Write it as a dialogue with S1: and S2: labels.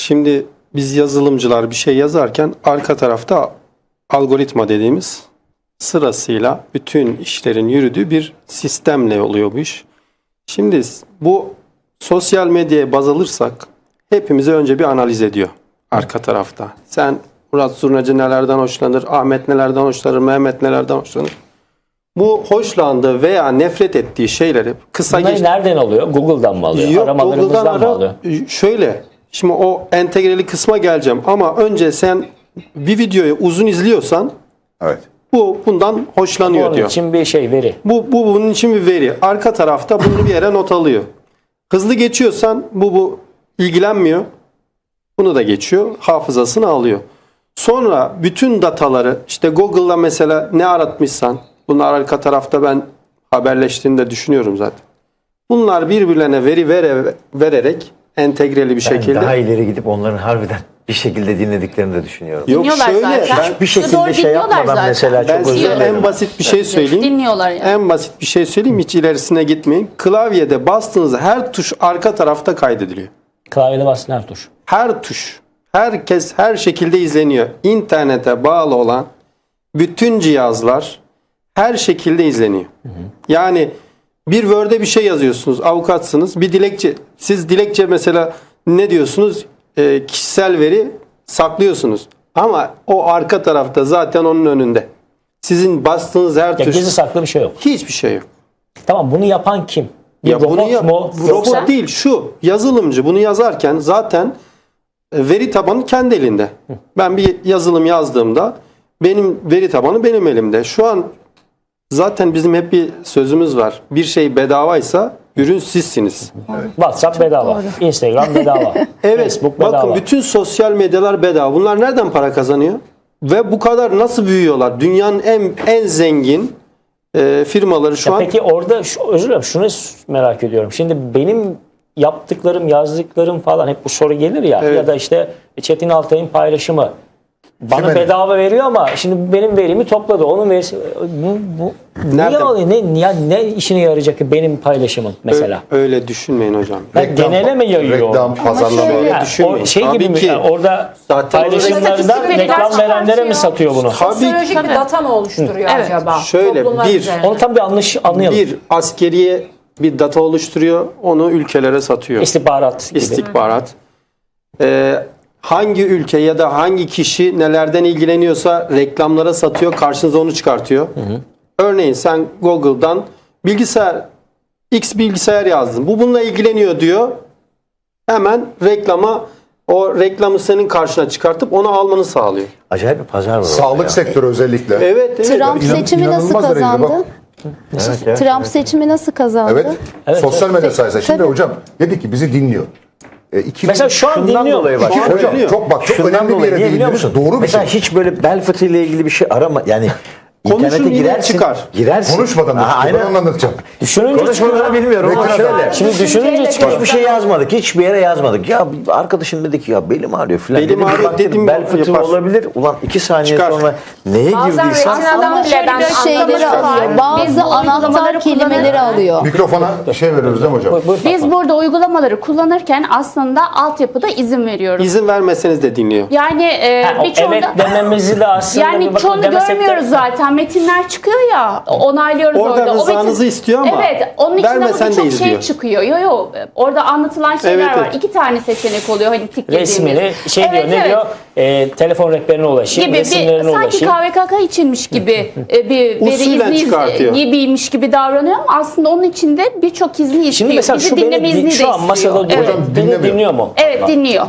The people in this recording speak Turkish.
S1: Şimdi biz yazılımcılar bir şey yazarken arka tarafta algoritma dediğimiz sırasıyla bütün işlerin yürüdüğü bir sistemle oluyor bu iş. Şimdi bu sosyal medyaya baz alırsak hepimizi önce bir analiz ediyor arka tarafta. Sen Murat Zurnacı nelerden hoşlanır, Ahmet nelerden hoşlanır, Mehmet nelerden hoşlanır. Bu hoşlandığı veya nefret ettiği şeyleri kısa
S2: Bunları nereden alıyor? Google'dan mı alıyor?
S1: Yok,
S2: Aramalarımızdan mı alıyor?
S1: Şöyle, şimdi o entegreli kısma geleceğim ama önce sen bir videoyu uzun izliyorsan
S3: Evet.
S1: bu bundan hoşlanıyor
S2: Onun
S1: diyor.
S2: için bir şey veri.
S1: Bu bunun için bir veri. Arka tarafta bunu bir yere not alıyor. Hızlı geçiyorsan bu ilgilenmiyor. Bunu da geçiyor. Hafızasını alıyor. Sonra bütün dataları işte Google'da mesela ne aratmışsan bunlar arka tarafta ben haberleştiğini de düşünüyorum zaten. Bunlar birbirlerine veri vererek entegreli bir şekilde.
S4: Daha ileri gidip onların harbiden bir şekilde dinlediklerini de düşünüyorum.
S1: Yok
S5: Dinliyorlar
S1: şöyle
S5: zaten.
S4: Bir şekilde
S5: Doğru
S4: şey
S5: dinliyorlar
S4: yapmadan
S5: zaten.
S4: mesela
S1: ben
S4: çok
S1: size
S4: özür dilerim.
S1: en basit bir şey söyleyeyim.
S5: Dinliyorlar yani.
S1: En basit bir şey söyleyeyim, hiç ilerisine gitmeyin. Klavyede bastığınız her tuş arka tarafta kaydediliyor.
S2: Klavyede basılan her tuş.
S1: Her tuş, herkes her şekilde izleniyor. İnternete bağlı olan bütün cihazlar her şekilde izleniyor. Yani bir Word'e bir şey yazıyorsunuz, avukatsınız, bir dilekçe, siz dilekçe mesela ne diyorsunuz? Kişisel veri saklıyorsunuz. Ama o arka tarafta zaten onun önünde. Sizin bastığınız her
S2: Ya
S1: tuş,
S2: gizli saklı bir şey yok.
S1: hiçbir şey yok.
S2: Tamam, bunu yapan kim? Bir
S1: Ya bunu
S2: robot mu?
S1: robot
S2: Yoksa-
S1: değil, şu yazılımcı bunu yazarken zaten veri tabanı kendi elinde. Ben bir yazılım yazdığımda benim veri tabanı benim elimde. Şu an zaten bizim hep bir sözümüz var. Bir şey bedavaysa ürün sizsiniz.
S2: WhatsApp bedava. Instagram bedava.
S1: Evet.
S2: Facebook bedava.
S1: Bakın bütün sosyal medyalar bedava. Bunlar nereden para kazanıyor? Ve bu kadar nasıl büyüyorlar? Dünyanın en zengin firmaları şu an.
S2: Peki orada özür dilerim, şunu merak ediyorum. Şimdi benim yaptıklarım, yazdıklarım falan hep bu soru gelir ya.
S1: Evet.
S2: Ya da işte Çetin Altay'ın paylaşımı bana
S3: Kimin?
S2: bedava veriyor ama şimdi benim verimi topladı. Onun verisi bu niye
S1: Nerede?
S2: oluyor? Ne işine yarayacak ki benim paylaşımım mesela?
S1: Öyle düşünmeyin hocam.
S2: Genele mi yayıyor?
S3: Reklam, pazarlama.
S1: şöyle-
S2: Yani
S1: düşünmeyin.
S2: o şey
S1: Tabii
S2: gibi mi?
S1: ki.
S2: Yani orada
S1: Zaten
S2: paylaşımlardan
S5: statistik
S2: reklam
S5: veriler
S2: verenlere mi satıyor bunu?
S6: Sosyolojik bir data mı oluşturuyor
S5: Evet.
S6: acaba?
S1: Şöyle,
S6: Toplumlar
S1: bir-
S6: üzerinde.
S2: Onu tam bir anlayalım.
S1: Bir askeriye bir data oluşturuyor. Onu ülkelere satıyor.
S2: İstihbarat gibi.
S1: İstihbarat. Hangi ülke ya da hangi kişi nelerden ilgileniyorsa reklamlara satıyor. Karşınıza onu çıkartıyor. Örneğin sen Google'dan X bilgisayar yazdın. Bu bununla ilgileniyor diyor. Hemen o reklamı senin karşına çıkartıp onu almanı sağlıyor.
S4: Acayip bir pazar var orada
S3: Sağlık
S4: ya.
S3: sektörü özellikle.
S1: Evet.
S7: Trump seçimi nasıl
S3: İnanılmaz derecede
S7: kazandı?
S3: bak.
S4: Evet.
S7: Trump seçimi nasıl kazandı?
S3: Evet. Sosyal medya sayesinde. Şimdi
S7: Tabii.
S3: hocam dedi ki bizi dinliyor.
S2: Mesela şu an
S4: Şundan
S2: dinliyor.
S4: dolayı bak.
S3: Hocam çok
S4: Şundan
S3: önemli bir
S4: dolayı
S3: yere
S4: niye biliyor
S3: değindiniz.
S4: musun?
S3: Doğru bir
S4: Mesela
S3: şey.
S4: hiç böyle bel fıtığıyla ilgili bir şey arama. Yani
S1: Konuşun,
S4: internete
S1: yine
S4: girersin.
S1: çıkar.
S4: Girersin.
S3: Konuşmadan da
S4: Ha,
S3: çıkıyor. Ben
S4: aynen.
S3: onu anlatacağım.
S2: Düşününce
S4: Konuşmadan bilmiyorum ama
S3: Reklam.
S4: şöyle.
S2: Şimdi düşününce çıkıyor.
S4: Hiçbir şey yazmadık. Hiçbir yere yazmadık. Ya arkadaşım dedi ki ya belim ağrıyor filan.
S1: Belim
S4: Dedim,
S1: ağrıyor
S4: bak dedim,
S1: dedim,
S4: bel fıtığı
S1: yapar.
S4: olabilir. Ulan 2 saniye
S1: Çıkar.
S4: sonra neye
S6: Bazen
S4: girdiysen.
S6: retinadan bile ben
S7: Şeyleri alıyor.
S5: Biz
S7: Bazı
S5: bu
S7: anahtar
S5: uygulamaları
S7: kelimeleri alıyor.
S3: Mikrofona veriyoruz değil mi hocam?
S5: Biz burada uygulamaları kullanırken aslında altyapıda izin veriyoruz.
S1: İzin vermeseniz de dinliyor.
S5: Yani
S2: Evet dememizi de aslında
S5: yani
S2: bir bakın
S5: çoğunu
S2: demesek de-
S5: görmüyoruz zaten. Metinler çıkıyor ya. Onaylıyoruz
S1: Orada
S5: orada.
S1: rızanızı istiyor ama
S5: Evet. Onun içinden
S1: vermesen de
S5: çok şey
S1: izliyor.
S5: çıkıyor. Yo. Orada anlatılan şeyler
S1: Evet,
S5: var.
S1: evet.
S5: 2 tane seçenek oluyor. Hani tıkladığımız.
S2: resmini diyor ne
S5: Evet.
S2: diyor? Telefon rehberine ulaşayım,
S5: Gibi
S2: resimlerine
S5: sanki
S2: ulaşayım.
S5: KVKK içinmiş gibi bir
S1: Usulen
S5: veri izni
S1: çıkartıyor.
S5: gibiymiş gibi davranıyor ama aslında onun içinde birçok izni istiyor.
S2: Şimdi mesela
S5: Bizi
S2: şu
S5: dinleme izni
S2: beni
S5: de
S2: şu an
S5: istiyor.
S2: masada
S5: Evet.
S2: beni dinliyor mu?
S5: Evet dinliyor.